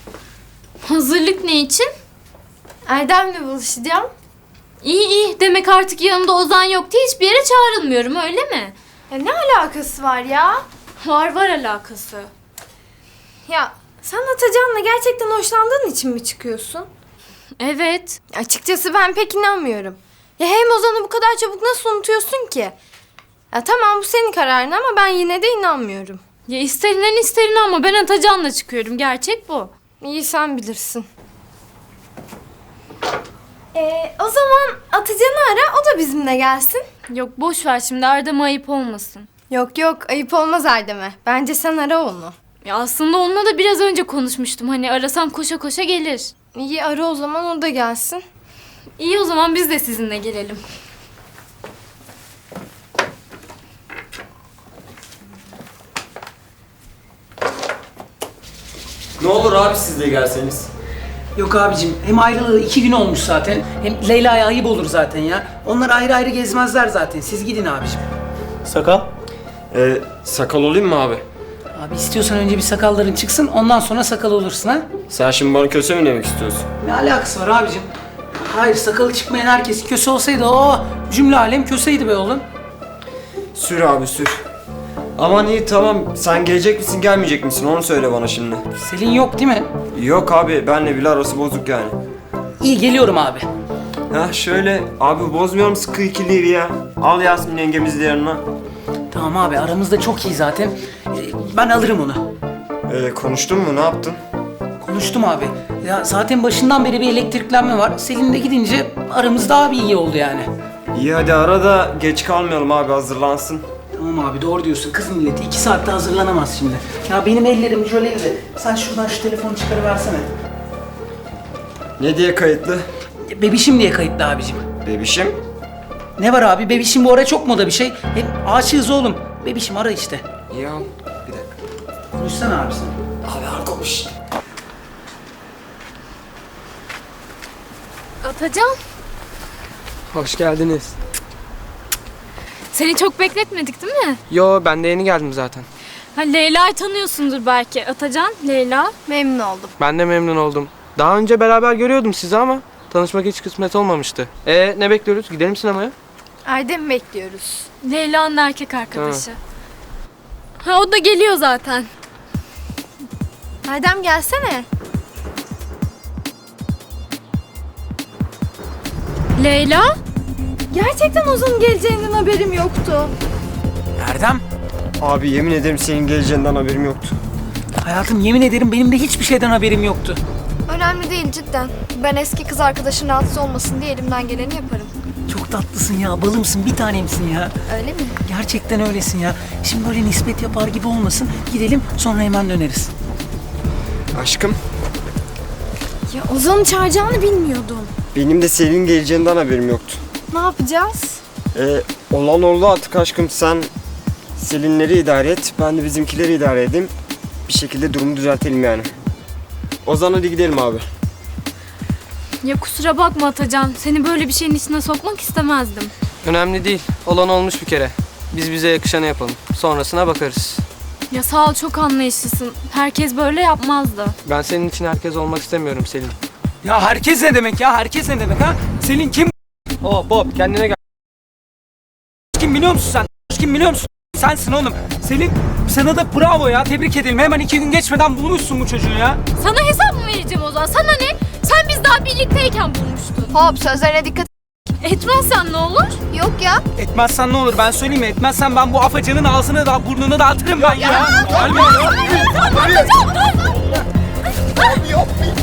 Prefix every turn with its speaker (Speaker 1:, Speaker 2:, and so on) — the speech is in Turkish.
Speaker 1: Hazırlık ne için?
Speaker 2: Erdem'le buluşacağım.
Speaker 1: İyi iyi. Demek artık yanımda Ozan yok diye hiçbir yere çağrılmıyorum, öyle mi?
Speaker 2: Ya ne alakası var ya?
Speaker 1: Var alakası.
Speaker 2: Ya sen Atacan'la gerçekten hoşlandığın için mi çıkıyorsun?
Speaker 1: Evet.
Speaker 2: Açıkçası ben pek inanmıyorum. Ya hem Ozan'ı bu kadar çabuk nasıl unutuyorsun ki? Ya tamam bu senin kararın ama ben yine de inanmıyorum.
Speaker 1: Ya isterinden isterin ama ben Atacan'la çıkıyorum. Gerçek bu.
Speaker 2: İyi sen bilirsin. O zaman Atacan'ı ara, o da bizimle gelsin.
Speaker 1: Yok boş ver şimdi, Erdem'e ayıp olmasın.
Speaker 2: Yok yok, ayıp olmaz Erdem'e. Bence sen ara onu.
Speaker 1: Ya aslında onunla da biraz önce konuşmuştum. Hani arasam koşa koşa gelir.
Speaker 2: İyi ara o zaman, o da gelsin.
Speaker 1: İyi o zaman biz de sizinle gelelim.
Speaker 3: Ne olur abi siz de gelseniz.
Speaker 4: Yok abicim, hem ayrılığı 2 gün olmuş zaten. Hem Leyla'ya ayıp olur zaten ya. Onlar ayrı ayrı gezmezler zaten. Siz gidin abicim.
Speaker 3: Sakal? Sakal olayım mı abi?
Speaker 4: Abi istiyorsan önce bir sakalların çıksın, ondan sonra sakal olursun ha.
Speaker 3: Sen şimdi bana köse mi demek istiyorsun?
Speaker 4: Ne alakası var abicim? Hayır, sakalı çıkmayan herkes köse olsaydı o cümle alem köseydi be oğlum.
Speaker 3: Sür abi sür. Aman iyi tamam, sen gelecek misin gelmeyecek misin onu söyle bana şimdi.
Speaker 4: Selin yok değil mi?
Speaker 3: Yok abi, benle bile arası bozuk yani.
Speaker 4: İyi, geliyorum abi.
Speaker 3: Ha şöyle abi, bozmuyorum sıkı ikiliyi ya. Al Yasmin yengemizi de yanına.
Speaker 4: Tamam abi, aramızda çok iyi zaten. Ben alırım onu.
Speaker 3: Konuştun mu, ne yaptın?
Speaker 4: Konuştum abi. Ya zaten başından beri bir elektriklenme var. Selin de gidince aramız daha bir iyi oldu yani.
Speaker 3: İyi hadi ara da geç kalmayalım abi, hazırlansın.
Speaker 4: Tamam abi, doğru diyorsun. Kız milleti 2 saatte hazırlanamaz şimdi. Ya benim ellerim jöleli. Sen şuradan şu telefonu çıkarıversene.
Speaker 3: Ne diye kayıtlı?
Speaker 4: Bebişim diye kayıtlı abicim.
Speaker 3: Bebişim?
Speaker 4: Ne var abi? Bebişim bu ara çok moda bir şey. Hem aşığız oğlum. Bebişim ara işte.
Speaker 3: İyi al. Bir dakika.
Speaker 4: Konuşsana abi sen.
Speaker 3: Abi al konuş.
Speaker 1: Atacan,
Speaker 5: Hoş geldiniz.
Speaker 1: seni çok bekletmedik değil mi?
Speaker 5: Yo, ben de yeni geldim zaten.
Speaker 1: Ha, Leyla'yı tanıyorsundur belki. Atacan, Leyla.
Speaker 2: Memnun oldum.
Speaker 5: Ben de memnun oldum. Daha önce beraber görüyordum sizi ama tanışmak hiç kısmet olmamıştı. Ne bekliyoruz? Gidelim sinemaya.
Speaker 2: Erdem'i bekliyoruz.
Speaker 1: Leyla'nın erkek arkadaşı. Ha o da geliyor zaten.
Speaker 2: Erdem gelsene.
Speaker 1: Leyla?
Speaker 2: Gerçekten Ozan'ın geleceğinden haberim yoktu.
Speaker 4: Erdem.
Speaker 3: Abi yemin ederim senin geleceğinden haberim yoktu.
Speaker 4: Hayatım, yemin ederim benim de hiçbir şeyden haberim yoktu.
Speaker 2: Önemli değil cidden. Ben eski kız arkadaşın rahatsız olmasın diye elimden geleni yaparım.
Speaker 4: Çok tatlısın ya, balımsın, bir tanemsin ya.
Speaker 2: Öyle mi?
Speaker 4: Gerçekten öylesin ya. Şimdi böyle nispet yapar gibi olmasın. Gidelim, sonra hemen döneriz.
Speaker 3: Aşkım,
Speaker 2: Ya Ozan'ı çağıracağını bilmiyordum.
Speaker 3: benim de senin geleceğinden haberim yoktu.
Speaker 2: Ne yapacağız?
Speaker 3: Olan oldu artık aşkım, sen Selinleri idare et, ben de bizimkileri idare edeyim. Bir şekilde durumu düzeltelim yani. Ozan hadi gidelim abi.
Speaker 1: Ya kusura bakma Atacan. Seni böyle bir şeyin içine sokmak istemezdim.
Speaker 5: Önemli değil. Olan olmuş bir kere. Biz bize yakışanı yapalım. Sonrasına bakarız.
Speaker 1: Ya sağ ol, çok anlayışlısın. Herkes böyle yapmazdı.
Speaker 5: Ben senin için herkes olmak istemiyorum Selin.
Speaker 4: Ya herkes ne demek ya? Herkes ne demek ha? Selin kim?
Speaker 5: Hop kendine gel.
Speaker 4: Kim biliyor musun sen? Kim biliyor musun? Sensin oğlum. Selin, sana da bravo ya. Tebrik edelim. Hemen 2 gün geçmeden bulmuşsun bu çocuğu ya.
Speaker 1: Sana hesap mı vereceğim Ozan? Sana ne? Sen biz daha birlikteyken bulmuştun.
Speaker 2: Hop sözlerine dikkat.
Speaker 1: Etmezsen ne olur?
Speaker 2: Yok ya.
Speaker 4: Etmezsen ne olur, ben söyleyeyim mi? Etmezsen ben bu afacanın ağzını da burnunu dağıtırım ben ya.
Speaker 1: Atacan dur!